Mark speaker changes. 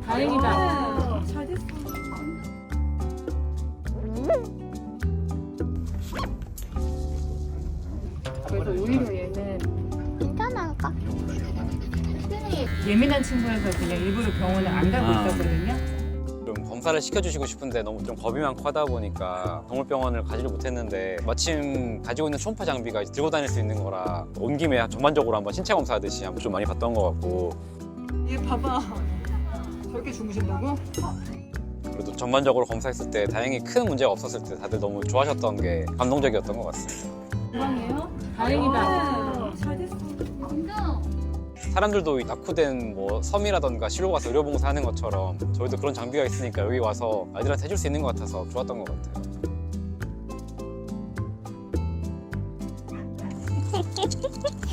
Speaker 1: 다행이다.
Speaker 2: 잘 됐어.
Speaker 1: 그래서 오히려 얘는
Speaker 3: 괜찮을까?
Speaker 1: 예민한 친구여서 그냥 일부러 병원에 안 가고 있었거든요.
Speaker 4: 좀 검사를 시켜주시고 싶은데 너무 좀 겁이 많고 하다 보니까 동물병원을 가지를 못했는데 마침 가지고 있는 초음파 장비가 들고 다닐 수 있는 거라 온 김에 전반적으로 한번 신체 검사하듯이 한번 좀 많이 봤던 것 같고
Speaker 2: 얘 봐봐. 저렇게 주무신다고?
Speaker 4: 그래도 전반적으로 검사했을 때 다행히 큰 문제가 없었을 때 다들 너무 좋아하셨던 게 감동적이었던 것 같습니다.
Speaker 1: 건강해요? 다행이다.
Speaker 2: 잘 됐어.
Speaker 4: 사람들도 낙후된 뭐 섬이라던가 시로 가서 의료봉사 하는 것처럼 저희도 그런 장비가 있으니까 여기 와서 아이들한테 해줄 수 있는 것 같아서 좋았던 것 같아요.